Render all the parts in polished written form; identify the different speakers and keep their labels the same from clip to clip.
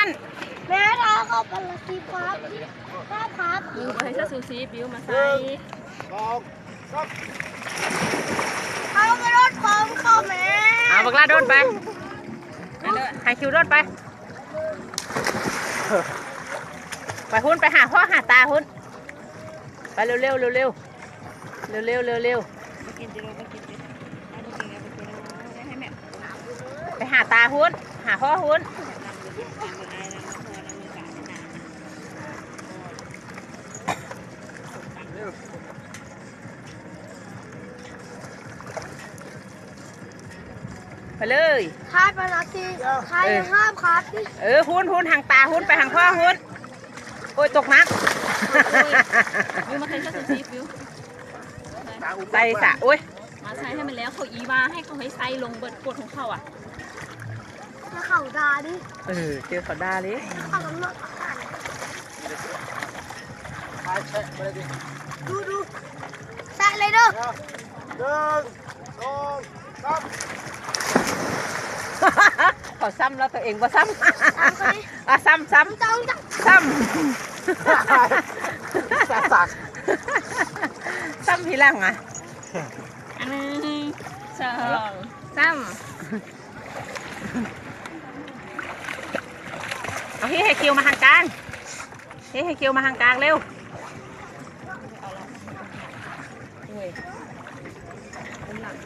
Speaker 1: หัน
Speaker 2: แม่ท้าเข้าไปละสิครับครับ
Speaker 3: บิวไปให้ซูซีบิวมาใส่
Speaker 2: เอาไปรถของพ่อแม่
Speaker 1: เอาบักลาโดนไปให้คิวโดนไปไปหุ้นไปหาพ่อหาตาหุ้นไปเร็วเร็วเร็วเร็วเร็วเร็วเร็วเร็ว
Speaker 3: มากินจิโร่มากินจิเอาไปกินเอาไปกินได้ให้แม่
Speaker 1: ไปหาตาหุ้นหาพ่อหุ้นไปเลย
Speaker 2: คาดไปละสิใครห้ามคาดดิ
Speaker 1: หุ้นห่างตาหุ้นไปห่างพ่อหุ้นโอ้ยตกน้ำ
Speaker 3: บิวมาใส่ซูซีบิว
Speaker 1: ใส่สะโอ้ย
Speaker 3: มาใส่ให้มันแล้วเขาอีว่าให้เขาให้ใส่ลงเบิดกดของเขาอ่ะ
Speaker 2: แล้วเขาด่าดิ
Speaker 1: เจอเขาด่าเลย
Speaker 2: เขากำหนดดูใส่เลยเด้อ
Speaker 1: เขาซ้ำแล้วตัวเองบ่ซ้ำ ซ้ำ
Speaker 2: ต้อง
Speaker 1: ซ้ำซ้ำทีหลังอ่ะ
Speaker 3: อันนึงสอง
Speaker 1: ซ้ำเอาให้คิวมาทางกลางให้คิวมาทางกลางเร็ว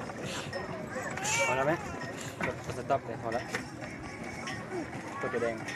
Speaker 4: พอแล้วไหมกดสต็อปเลยพอแล้วตัวแดง